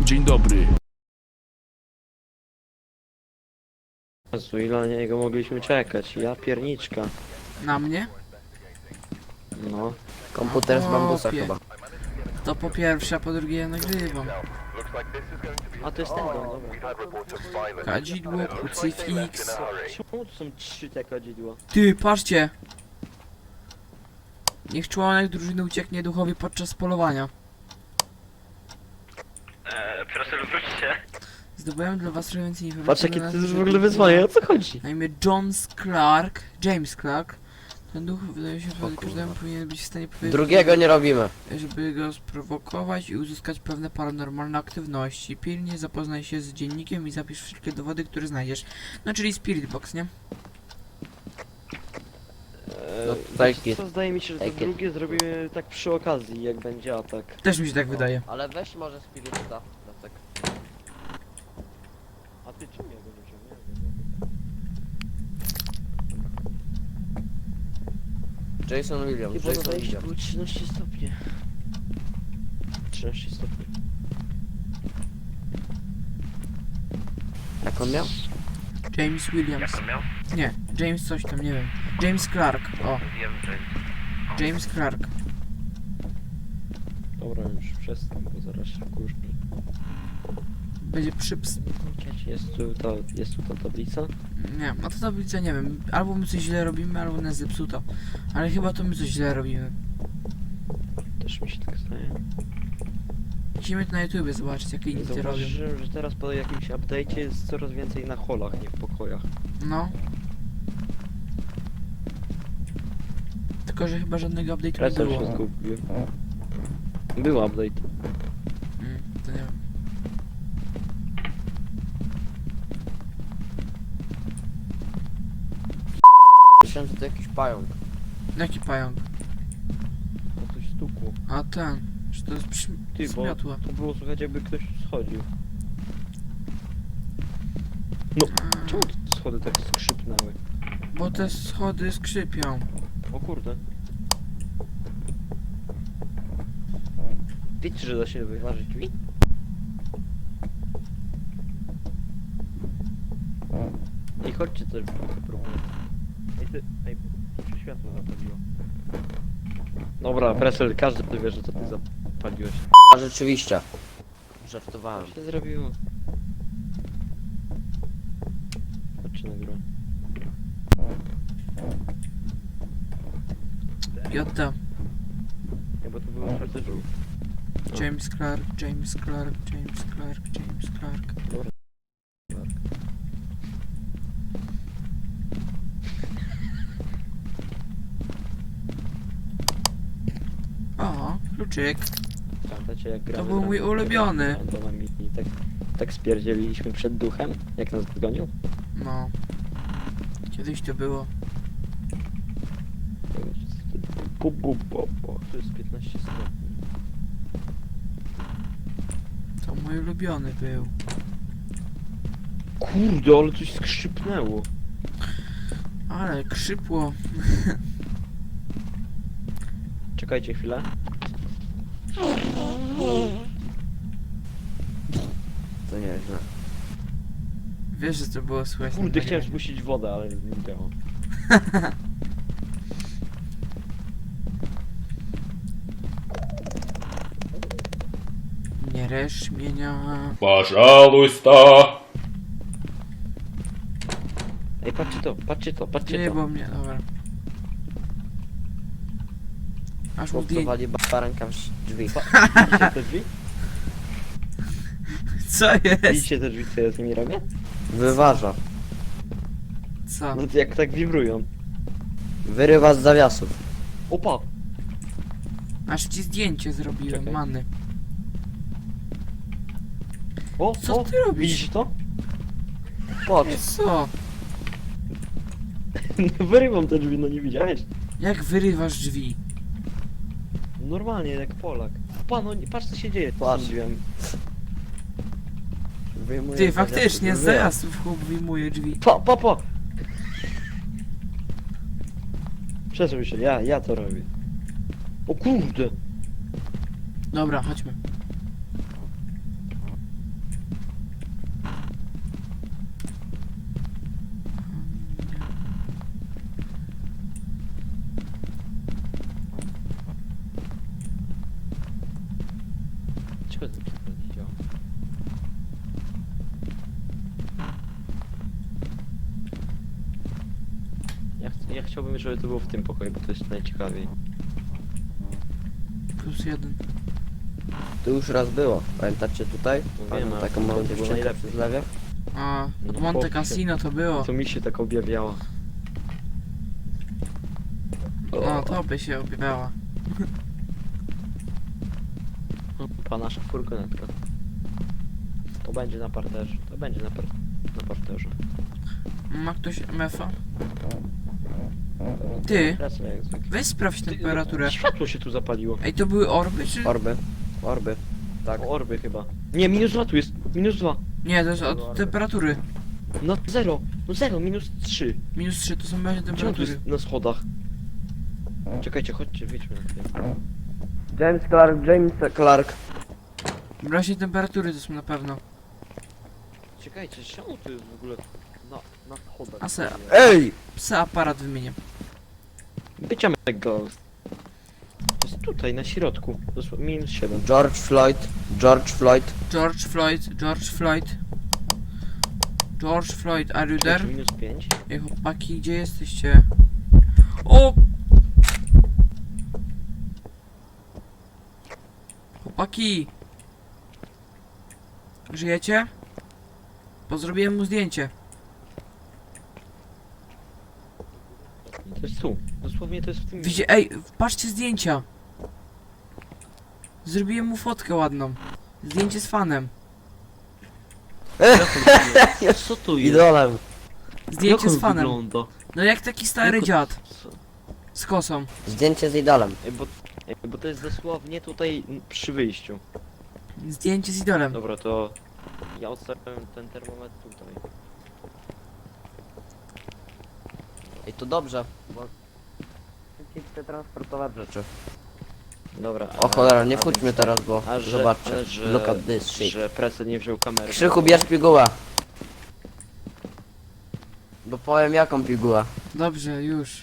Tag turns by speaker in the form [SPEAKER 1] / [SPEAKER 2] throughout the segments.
[SPEAKER 1] Dzień dobry.
[SPEAKER 2] Jezu, ile na niego mogliśmy czekać? Ja pierniczka.
[SPEAKER 3] Na mnie?
[SPEAKER 2] No.
[SPEAKER 4] Komputer z bambusa
[SPEAKER 3] Chłopie.
[SPEAKER 4] chyba.
[SPEAKER 3] To po pierwsze, a po drugie ja nagrywam.
[SPEAKER 2] A to jest ten dom, dobra.
[SPEAKER 3] Kadzidło, krucyfiks.
[SPEAKER 2] Czemu tu są 3 te kadzidła?
[SPEAKER 3] Ty, patrzcie! Niech członek drużyny ucieknie duchowi podczas polowania.
[SPEAKER 5] Proszę wróćcie.
[SPEAKER 3] Zdobyłem dla was trochę więcej informacji.
[SPEAKER 2] Patrz jakie
[SPEAKER 3] na
[SPEAKER 2] to
[SPEAKER 3] temat
[SPEAKER 2] jest w ogóle wyzwanie, o co chodzi?
[SPEAKER 3] Na imię James Clark. Ten duch wydaje się, że każdemu powinien być w stanie powiedzieć,
[SPEAKER 4] Drugiego nie robimy.
[SPEAKER 3] żeby go sprowokować i uzyskać pewne paranormalne aktywności. Pilnie zapoznaj się z dziennikiem i zapisz wszystkie dowody, które znajdziesz. No czyli Spirit Box, nie?
[SPEAKER 4] No,
[SPEAKER 2] Wiecie
[SPEAKER 4] take it.
[SPEAKER 2] co, zdaje mi się, że to
[SPEAKER 4] Take it.
[SPEAKER 2] drugie zrobimy tak przy okazji, jak będzie atak.
[SPEAKER 3] Też mi się tak wydaje.
[SPEAKER 4] Ale weź może spirytusa. Tak.
[SPEAKER 2] A ty czym ja go nie wziąłem?
[SPEAKER 4] Jason Williams,
[SPEAKER 2] Chyba
[SPEAKER 4] Jason
[SPEAKER 2] zdaje się,
[SPEAKER 4] Williams.
[SPEAKER 2] było 13 stopni. 13 stopni.
[SPEAKER 4] Jak on miał?
[SPEAKER 3] James Williams.
[SPEAKER 5] Jak on miał?
[SPEAKER 3] Nie, James coś tam, nie wiem. James Clark, o,
[SPEAKER 5] Wiem, że...
[SPEAKER 3] James Clark.
[SPEAKER 2] Dobra, już przestań, bo zaraz się wkurzy.
[SPEAKER 3] Będzie przyps...
[SPEAKER 2] Jest tu ta tablica?
[SPEAKER 3] Nie, no to tablica nie wiem. Albo my coś źle robimy, albo nas zepsuto. Ale chyba to my coś źle robimy.
[SPEAKER 2] Też mi się tak zdaje.
[SPEAKER 3] Musimy to na YouTube zobaczyć, jakie inni to robią.
[SPEAKER 2] Zauważyłem, że teraz po jakimś update'cie jest coraz więcej na holach, nie w pokojach.
[SPEAKER 3] No. Tylko, że chyba żadnego update'u nie
[SPEAKER 2] Presel
[SPEAKER 3] było.
[SPEAKER 2] się zgubiłem. Był update.
[SPEAKER 3] To nie wiem.
[SPEAKER 4] Myślałem, że to jakiś pająk.
[SPEAKER 3] Jaki pająk?
[SPEAKER 2] To coś stukło.
[SPEAKER 3] A ten. Czy to jest
[SPEAKER 2] Ty, bo
[SPEAKER 3] zmiotła?
[SPEAKER 2] to było słychać jakby ktoś schodził. No, czemu te schody tak skrzypnęły?
[SPEAKER 3] Bo te schody skrzypią.
[SPEAKER 2] O kurde. Wiecie, że da się wyważyć drzwi? Ej, chodźcie coś próbuję. Ej, bo tu się światło zapaliło. Dobra, Presel, każdy wie, że to ty zapaliłeś.
[SPEAKER 4] A rzeczywiście. Żartowałem.
[SPEAKER 2] Co się zrobiło? Chodźcie na górę.
[SPEAKER 3] Jota.
[SPEAKER 2] Nie, bo to było otwarte drzwi.
[SPEAKER 3] James Clark, James Clark, James Clark, James Clark.
[SPEAKER 2] Dobra.
[SPEAKER 3] O, kluczyk.
[SPEAKER 2] Pamiętacie jak gramy
[SPEAKER 3] był mój ulubiony.
[SPEAKER 2] randomami i tak spierdzieliliśmy przed duchem, jak nas dogonił?
[SPEAKER 3] No. Kiedyś to było.
[SPEAKER 2] To jest 15 stopni.
[SPEAKER 3] To mój ulubiony był.
[SPEAKER 2] Kurde, ale coś skrzypnęło.
[SPEAKER 3] Ale krzypło.
[SPEAKER 2] Czekajcie chwilę.
[SPEAKER 4] To nieźle.
[SPEAKER 3] Wiesz, że to było słychać. na
[SPEAKER 2] Kurde, chciałem
[SPEAKER 3] nagraniu.
[SPEAKER 2] spuścić wodę, ale nie działa.
[SPEAKER 3] Nie resz mienia.
[SPEAKER 1] Пожалуйста.
[SPEAKER 2] Ej, patrzcie to, patrzcie to, patrzcie
[SPEAKER 3] Nie,
[SPEAKER 2] to.
[SPEAKER 3] bo mnie, dobra. Aż mu zdjęcie.
[SPEAKER 4] Chłopcowali baranka w drzwi.
[SPEAKER 2] Widzicie te drzwi?
[SPEAKER 3] Co jest?
[SPEAKER 2] Widzicie te drzwi, co ja z nimi robię?
[SPEAKER 4] Wyważa.
[SPEAKER 3] Co?
[SPEAKER 2] No to jak tak wibrują.
[SPEAKER 4] Wyrywa z zawiasów.
[SPEAKER 2] Opa!
[SPEAKER 3] Aż ci zdjęcie zrobiłem,
[SPEAKER 2] Czekaj.
[SPEAKER 3] many.
[SPEAKER 2] O,
[SPEAKER 3] Co
[SPEAKER 2] o,
[SPEAKER 3] ty robisz?
[SPEAKER 2] Widzisz to? Patrz,
[SPEAKER 3] Co?
[SPEAKER 2] wyrywam te drzwi, no nie widziałeś?
[SPEAKER 3] Jak wyrywasz drzwi?
[SPEAKER 2] Normalnie, jak Polak. Pa, no nie, patrz co się dzieje.
[SPEAKER 4] Patrz.
[SPEAKER 2] Z tym drzwiami.
[SPEAKER 4] Wyjmuje
[SPEAKER 3] Ty,
[SPEAKER 4] z
[SPEAKER 3] faktycznie, z
[SPEAKER 4] zawiasów.
[SPEAKER 3] zajazów chłop wyjmuje drzwi.
[SPEAKER 2] Pa! Przesuń się, ja to robię. O kurde!
[SPEAKER 3] Dobra, chodźmy.
[SPEAKER 2] chciałbym, żeby to było w tym pokoju, bo to jest najciekawiej.
[SPEAKER 3] +1.
[SPEAKER 4] Tu już raz było. Pamiętacie tutaj?
[SPEAKER 2] No wiem, ale
[SPEAKER 4] Taką
[SPEAKER 2] to
[SPEAKER 4] małą
[SPEAKER 2] było
[SPEAKER 4] dziewczynkę
[SPEAKER 2] najlepsze.
[SPEAKER 4] przy zlewie?
[SPEAKER 3] A, od
[SPEAKER 2] No,
[SPEAKER 3] Monte
[SPEAKER 2] chłopie.
[SPEAKER 3] Cassino to było.
[SPEAKER 2] To mi się tak objawiało.
[SPEAKER 3] No, to by się objawiała.
[SPEAKER 2] Pa nasza furgonetka. To będzie na parterze. To będzie na parterze.
[SPEAKER 3] Ma ktoś MF-a? Ty,
[SPEAKER 2] Wracam jak zwykle.
[SPEAKER 3] weź sprawdź temperaturę.
[SPEAKER 2] Światło się tu zapaliło.
[SPEAKER 3] Ej, to były orby, czy...
[SPEAKER 4] Orby. Orby. Tak.
[SPEAKER 2] O, orby chyba. Nie, -2 tu jest. -2.
[SPEAKER 3] Nie, to jest od temperatury.
[SPEAKER 2] No 0. No 0, -3.
[SPEAKER 3] -3 to są właśnie
[SPEAKER 2] Czemu tu
[SPEAKER 3] temperatury.
[SPEAKER 2] jest na schodach? Czekajcie, chodźcie, wyjdźmy na chwilę.
[SPEAKER 4] James Clark.
[SPEAKER 3] Właśnie temperatury to są na pewno.
[SPEAKER 2] Czekajcie, czemu to jest w ogóle na schodach?
[SPEAKER 3] A se-
[SPEAKER 4] Ej!
[SPEAKER 3] Psa aparat wymienię.
[SPEAKER 2] Bycia Ghost. To jest tutaj, na środku. Dosłownie -7.
[SPEAKER 4] George Floyd.
[SPEAKER 3] George Floyd, George Floyd. George Floyd, are you there?
[SPEAKER 2] -5.
[SPEAKER 3] Ej, chłopaki, gdzie jesteście? O! Chłopaki! Żyjecie? Bo zrobiłem mu zdjęcie.
[SPEAKER 2] To jest tu. Dosłownie to jest w tym
[SPEAKER 3] Widzicie, ej, patrzcie zdjęcia. Zrobiłem mu fotkę ładną. Zdjęcie z fanem.
[SPEAKER 2] Co to jest?
[SPEAKER 4] Idolem.
[SPEAKER 3] Zdjęcie
[SPEAKER 2] Jak
[SPEAKER 3] z
[SPEAKER 2] on
[SPEAKER 3] fanem.
[SPEAKER 2] wygląda?
[SPEAKER 3] No jak taki stary
[SPEAKER 2] Jak on-
[SPEAKER 3] dziad.
[SPEAKER 2] Co?
[SPEAKER 3] Z kosą.
[SPEAKER 4] Zdjęcie z idolem.
[SPEAKER 2] Bo to jest dosłownie tutaj przy wyjściu.
[SPEAKER 3] Zdjęcie z idolem.
[SPEAKER 2] Dobra, to ja odstawiam ten termometr tutaj.
[SPEAKER 4] I to dobrze, bo szybciej chcę transportować rzeczy.
[SPEAKER 2] Dobra.
[SPEAKER 4] O cholera, nie wchodźmy teraz, bo zobaczcie.
[SPEAKER 2] że,
[SPEAKER 4] Look at this shit.
[SPEAKER 2] że Presel nie wziął kamery.
[SPEAKER 4] Krzychu, bierz pigułę. Bo powiem jaką pigułę.
[SPEAKER 3] Dobrze, już.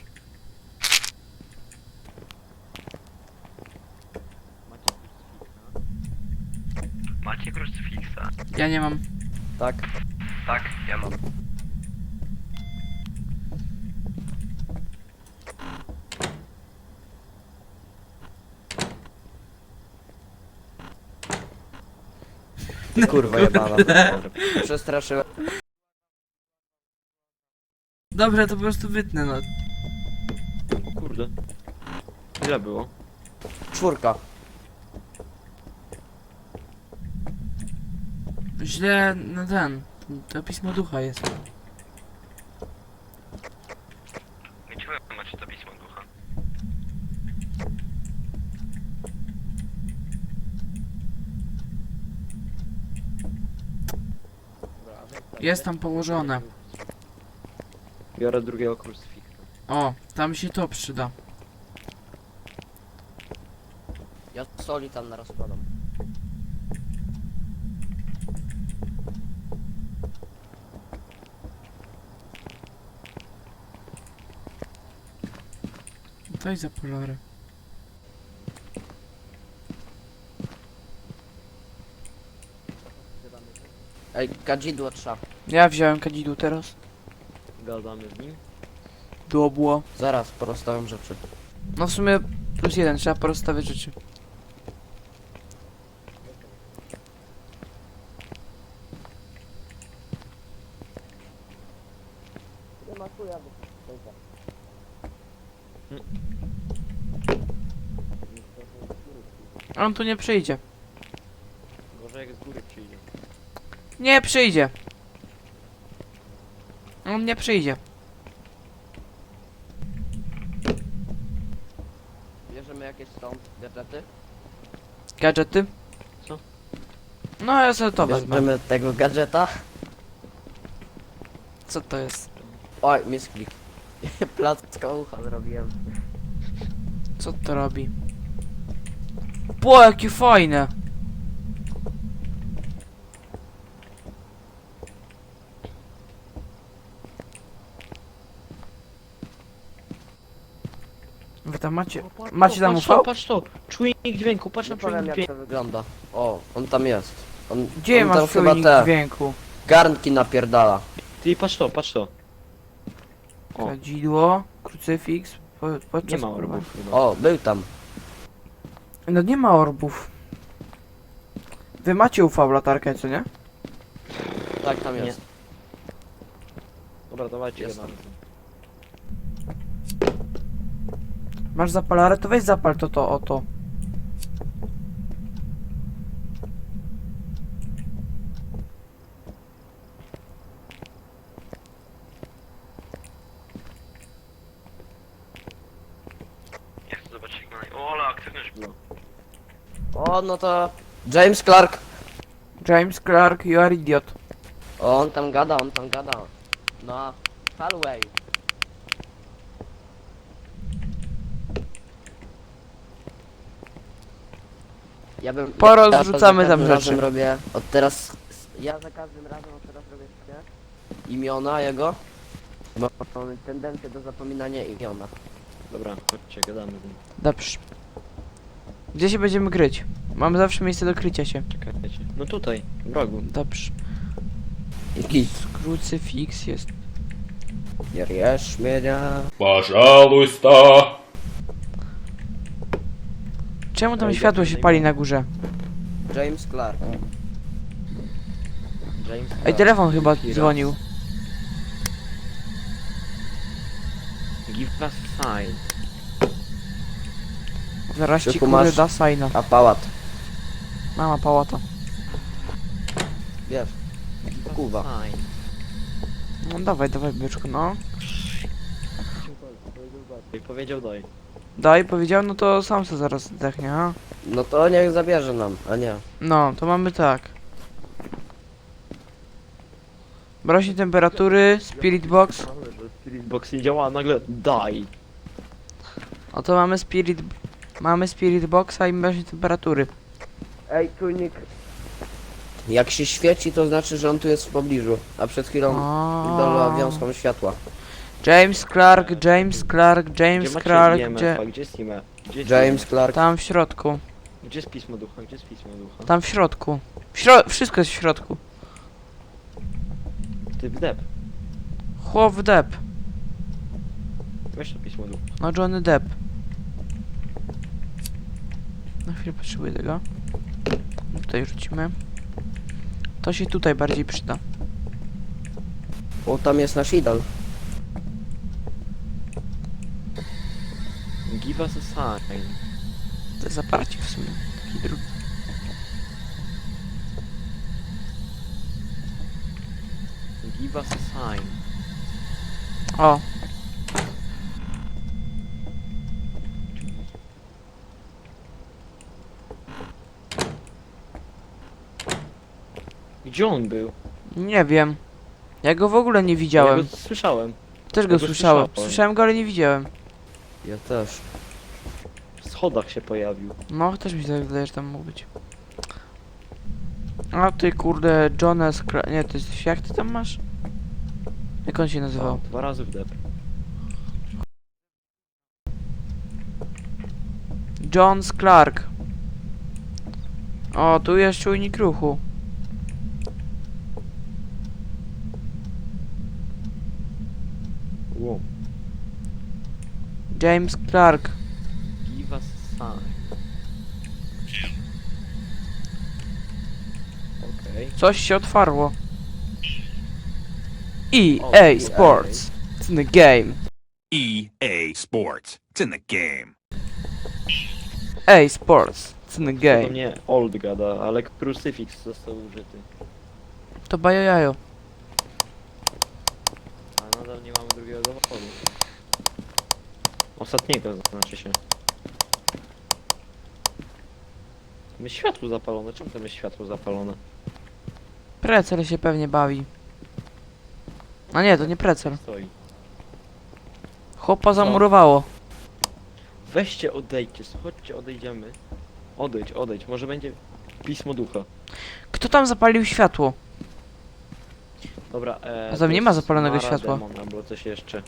[SPEAKER 5] Macie krucyfiksa?
[SPEAKER 3] Ja nie mam.
[SPEAKER 4] Tak?
[SPEAKER 5] Tak, ja mam.
[SPEAKER 4] Kurwa jebana. Przestraszyłem.
[SPEAKER 3] Dobrze, to po prostu wytnę, no.
[SPEAKER 2] O kurde. Ile było?
[SPEAKER 4] 4.
[SPEAKER 3] Źle, no ten. To pismo ducha jest.
[SPEAKER 5] Gdzie wy macie to pismo ducha?
[SPEAKER 3] Jest tam położone.
[SPEAKER 2] Biorę drugiego krucyfiksa.
[SPEAKER 3] O, tam się to przyda.
[SPEAKER 4] Ja soli tam naraz składam.
[SPEAKER 3] To jest za polory.
[SPEAKER 4] Ej, kadzidło trzeba.
[SPEAKER 3] Ja wziąłem kadzidło teraz.
[SPEAKER 2] Gadamy z nim.
[SPEAKER 3] Było.
[SPEAKER 4] Zaraz porozstawiam rzeczy.
[SPEAKER 3] No w sumie +1, trzeba porozstawiać rzeczy. On tu nie przyjdzie.
[SPEAKER 2] Gorzej jak z góry przyjdzie.
[SPEAKER 3] Nie przyjdzie. On nie przyjdzie.
[SPEAKER 4] Bierzemy jakieś stąd gadżety?
[SPEAKER 3] Gadżety?
[SPEAKER 2] Co?
[SPEAKER 3] No ja sobie to wezmę.
[SPEAKER 4] Bierzemy tego gadżeta.
[SPEAKER 3] Co to jest?
[SPEAKER 4] Oj, misklik. Placka ucha zrobiłem.
[SPEAKER 3] Co to robi? Po jakie fajne! Wy tam macie... Macie tam
[SPEAKER 2] patrz
[SPEAKER 3] UV?
[SPEAKER 2] to, patrz to! Czujnik dźwięku, patrz
[SPEAKER 4] Nie
[SPEAKER 2] na
[SPEAKER 4] powiem
[SPEAKER 2] czujnik
[SPEAKER 4] jak
[SPEAKER 2] dźwięku.
[SPEAKER 4] to wygląda. O, on tam jest. On,
[SPEAKER 3] Gdzie
[SPEAKER 4] on tam
[SPEAKER 3] masz
[SPEAKER 4] chyba
[SPEAKER 3] czujnik
[SPEAKER 4] te
[SPEAKER 3] dźwięku?
[SPEAKER 4] garnki napierdala.
[SPEAKER 2] Ty patrz to, patrz to. O.
[SPEAKER 3] Kadzidło. Krucyfiks. Podczas
[SPEAKER 2] Nie ma orbów chyba.
[SPEAKER 4] O, był tam.
[SPEAKER 3] No nie ma orbów. Wy macie UV latarkę, co nie?
[SPEAKER 4] Tak, tam
[SPEAKER 2] Nie.
[SPEAKER 4] jest.
[SPEAKER 2] Dobra, dawajcie
[SPEAKER 4] Jest.
[SPEAKER 2] jeden.
[SPEAKER 3] Masz zapalarę, to weź zapal to, oto.
[SPEAKER 5] Ja chcę zobaczyć jak na... O, ale aktywność była.
[SPEAKER 4] O, no to... James Clark.
[SPEAKER 3] James Clark, you are idiot.
[SPEAKER 4] O, on tam gada. No, hallway.
[SPEAKER 3] Porozrzucamy
[SPEAKER 4] ja za
[SPEAKER 3] tam
[SPEAKER 4] każdym razem
[SPEAKER 3] rzeczy.
[SPEAKER 4] robię, od teraz... Ja za każdym razem od teraz robię imiona jego. Bo mam tendencję do zapominania imiona.
[SPEAKER 2] Dobra, chodźcie, gadamy.
[SPEAKER 3] Dobrze. Gdzie się będziemy kryć? Mamy zawsze miejsce do krycia się.
[SPEAKER 2] Czekajcie. No tutaj, w rogu.
[SPEAKER 3] Dobrze.
[SPEAKER 4] Git.
[SPEAKER 3] Krucyfiks jest.
[SPEAKER 4] Jesz mnie.
[SPEAKER 1] Пожалуйста.
[SPEAKER 3] Czemu tam
[SPEAKER 2] Ej,
[SPEAKER 3] światło
[SPEAKER 2] dobrze,
[SPEAKER 3] się pali na górze?
[SPEAKER 4] James Clark.
[SPEAKER 2] James
[SPEAKER 3] Ej,
[SPEAKER 2] Clark.
[SPEAKER 3] telefon chyba
[SPEAKER 2] Kira.
[SPEAKER 3] dzwonił.
[SPEAKER 2] Give us sign.
[SPEAKER 3] Zaraz ci
[SPEAKER 4] Krzyku,
[SPEAKER 3] kurde
[SPEAKER 4] masz?
[SPEAKER 3] da signa.
[SPEAKER 4] A pałat.
[SPEAKER 3] Mama pałata.
[SPEAKER 4] Wiesz.
[SPEAKER 2] Give us
[SPEAKER 4] Kuwa.
[SPEAKER 2] sign.
[SPEAKER 3] No dawaj, byczku, no.
[SPEAKER 2] Powiedział daj.
[SPEAKER 3] Daj, powiedział, no to sam se zaraz zdechnie, ha?
[SPEAKER 4] No to niech zabierze nam, a nie.
[SPEAKER 3] No, to mamy tak. Rośnie temperatury, spirit box.
[SPEAKER 2] Spirit box nie działa, a nagle daj.
[SPEAKER 3] Oto mamy spirit boxa i rośnie temperatury.
[SPEAKER 4] Ej, czujnik. Jak się świeci, to znaczy, że on tu jest w pobliżu. A przed chwilą dała wiązką światła.
[SPEAKER 3] James Clark, James
[SPEAKER 2] Gdzie macie
[SPEAKER 3] Clark,
[SPEAKER 2] IMF-a? Gdzie jest IMF? Gdzie jest
[SPEAKER 4] James
[SPEAKER 2] IMF?
[SPEAKER 4] Clark.
[SPEAKER 3] tam w środku.
[SPEAKER 2] Gdzie jest pismo ducha? Gdzie jest pismo ducha?
[SPEAKER 3] Tam w środku. Wszystko jest w środku.
[SPEAKER 2] Ty wdep.
[SPEAKER 3] Chłop Depp.
[SPEAKER 2] Weź to pismo ducha.
[SPEAKER 3] No Johnny Depp. Na chwilę potrzebuję tego. Tutaj rzucimy. To się tutaj bardziej przyda.
[SPEAKER 4] O, tam jest nasz idol.
[SPEAKER 2] Give us a sign.
[SPEAKER 3] To jest zaparcie w sumie. Taki drugi.
[SPEAKER 2] Give us a sign.
[SPEAKER 3] O,
[SPEAKER 2] Gdzie on był?
[SPEAKER 3] nie wiem. Ja go w ogóle nie widziałem.
[SPEAKER 2] Ja go słyszałem.
[SPEAKER 3] Też go
[SPEAKER 2] ja go
[SPEAKER 3] słyszałem.
[SPEAKER 2] słyszałem.
[SPEAKER 3] Słyszałem go, ale nie widziałem.
[SPEAKER 4] Ja też.
[SPEAKER 2] W schodach się pojawił.
[SPEAKER 3] No, też mi się wydaje, że tam mógł być. A ty kurde, Jonas... Nie, to jest... Jak ty tam masz? Jak on się nazywał?
[SPEAKER 2] O, 2 razy wdep.
[SPEAKER 3] Jones Clark. O, tu jest czujnik ruchu.
[SPEAKER 2] Wow.
[SPEAKER 3] James Clark.
[SPEAKER 2] Give us a sign. Okej.
[SPEAKER 3] Coś się otwarło.
[SPEAKER 2] O,
[SPEAKER 3] EA Sports. It's in the game.
[SPEAKER 6] EA Sports. It's in the game.
[SPEAKER 3] EA Sports. It's in the
[SPEAKER 2] To do
[SPEAKER 3] game.
[SPEAKER 2] mnie old gada, ale krucyfiks został użyty.
[SPEAKER 3] To bajojajo.
[SPEAKER 2] A nadal nie mamy drugiego dowodu. Ostatniego znaczy się. Tam jest światło zapalone. Czemu tam jest światło zapalone?
[SPEAKER 3] Precel się pewnie bawi. A nie, to nie precel.
[SPEAKER 2] Stoi.
[SPEAKER 3] Chłopa zamurowało.
[SPEAKER 2] Weźcie, odejdźcie, chodźcie, odejdziemy. Odejdź, może będzie pismo ducha.
[SPEAKER 3] Kto tam zapalił światło?
[SPEAKER 2] Dobra,
[SPEAKER 3] A tam
[SPEAKER 2] to
[SPEAKER 3] nie ma
[SPEAKER 2] jest
[SPEAKER 3] zapalonego
[SPEAKER 2] Mara
[SPEAKER 3] światła.
[SPEAKER 2] Demon, albo coś jeszcze.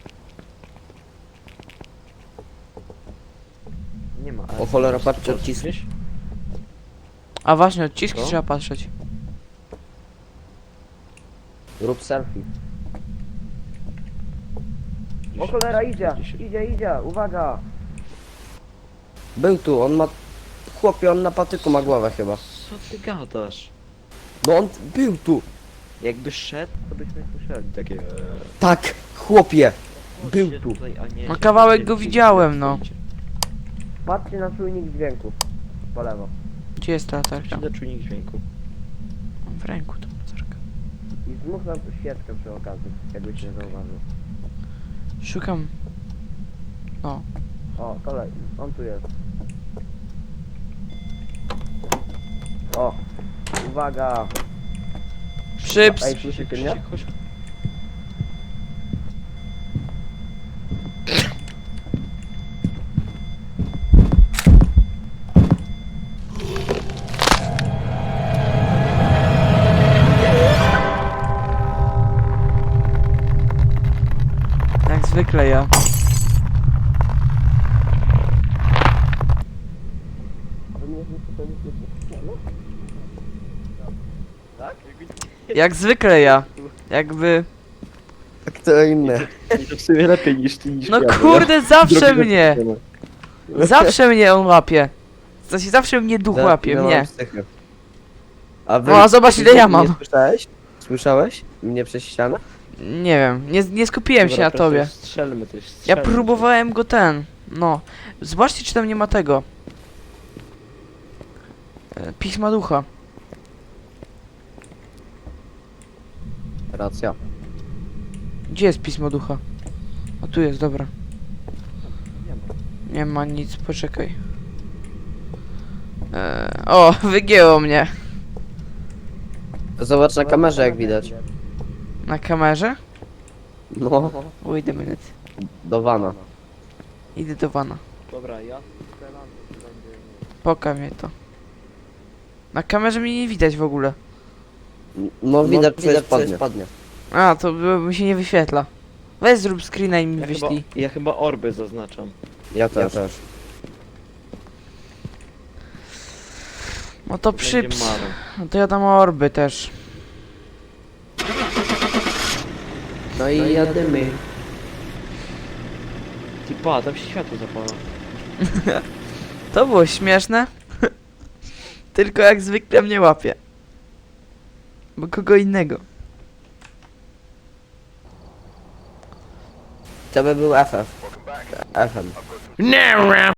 [SPEAKER 2] Nie ma.
[SPEAKER 4] O cholera, patrzcie,
[SPEAKER 2] Gdzieś?
[SPEAKER 4] odciski.
[SPEAKER 3] A właśnie, odciski
[SPEAKER 2] Co?
[SPEAKER 3] trzeba patrzeć.
[SPEAKER 4] Rób selfie. O cholera, idzie, uwaga! Był tu, on ma... Chłopie, on na patyku ma głowę chyba.
[SPEAKER 2] Co ty gadasz?
[SPEAKER 4] No on był tu.
[SPEAKER 2] Jakby szedł, to byśmy słyszeli takie...
[SPEAKER 4] Tak, chłopie. Był
[SPEAKER 2] Chodźcie
[SPEAKER 4] tu.
[SPEAKER 2] tutaj, a nie-
[SPEAKER 3] No kawałek go widziałem, no.
[SPEAKER 4] Patrzcie na czujnik dźwięku. Po lewo.
[SPEAKER 3] Gdzie jest ta latarka?
[SPEAKER 2] Przyda czujnik dźwięku.
[SPEAKER 3] Mam w ręku tą latarkę.
[SPEAKER 4] I zmuch nam świeczkę przy okazji, jakbyś nie zauważył.
[SPEAKER 3] Szukam. O,
[SPEAKER 4] O, kolej, on tu jest. O, uwaga.
[SPEAKER 3] przyps!
[SPEAKER 4] Ej, słyszycie mnie?
[SPEAKER 2] Chodź.
[SPEAKER 3] Jak zwykle ja.
[SPEAKER 4] A wy mnie to nie Tak?
[SPEAKER 3] Jak zwykle ja. Jakby...
[SPEAKER 4] Kto inny?
[SPEAKER 2] To w sumie lepiej niż ty, niż
[SPEAKER 3] No
[SPEAKER 2] ja,
[SPEAKER 3] kurde, zawsze mnie! Zawsze mnie on łapie. Zawsze mnie duch łapie, mnie.
[SPEAKER 4] A wy...
[SPEAKER 3] O, a zobacz, ile ja mam.
[SPEAKER 4] Nie słyszałeś? Słyszałeś? Mnie przez ścianę?
[SPEAKER 3] Nie wiem, nie skupiłem się
[SPEAKER 2] Dobra,
[SPEAKER 3] na
[SPEAKER 2] prosto
[SPEAKER 3] tobie.
[SPEAKER 2] Strzelmy też,
[SPEAKER 3] Ja
[SPEAKER 2] strzelmy.
[SPEAKER 3] próbowałem go no. Zobaczcie, czy tam nie ma tego. Pisma ducha.
[SPEAKER 4] Racja.
[SPEAKER 3] Gdzie jest pismo ducha? O, tu jest, dobra.
[SPEAKER 2] Nie ma.
[SPEAKER 3] Nie ma nic, poczekaj. O, wygięło mnie.
[SPEAKER 4] Zobacz na kamerze jak widać.
[SPEAKER 3] Na kamerze?
[SPEAKER 4] No,
[SPEAKER 3] Wait a minute.
[SPEAKER 4] do wana.
[SPEAKER 3] Idę do wana.
[SPEAKER 2] Dobra, ja strzelam, to będzie...
[SPEAKER 3] Pokaż mnie to. Na kamerze mnie nie widać w ogóle.
[SPEAKER 4] No widać przez spodnie.
[SPEAKER 3] A, to mi się nie wyświetla. Weź zrób screena i mi
[SPEAKER 2] Ja
[SPEAKER 3] wyślij.
[SPEAKER 2] chyba orby zaznaczam.
[SPEAKER 4] Ja też.
[SPEAKER 3] No to
[SPEAKER 2] Będzie
[SPEAKER 3] przyps.
[SPEAKER 2] marą.
[SPEAKER 3] No to ja dam orby też.
[SPEAKER 4] No i jadymy.
[SPEAKER 2] Ty pa, tam się światło zapala.
[SPEAKER 3] To było śmieszne. Tylko jak zwykle mnie łapie. Bo kogo innego.
[SPEAKER 4] To by był FF. FM.
[SPEAKER 3] Nie.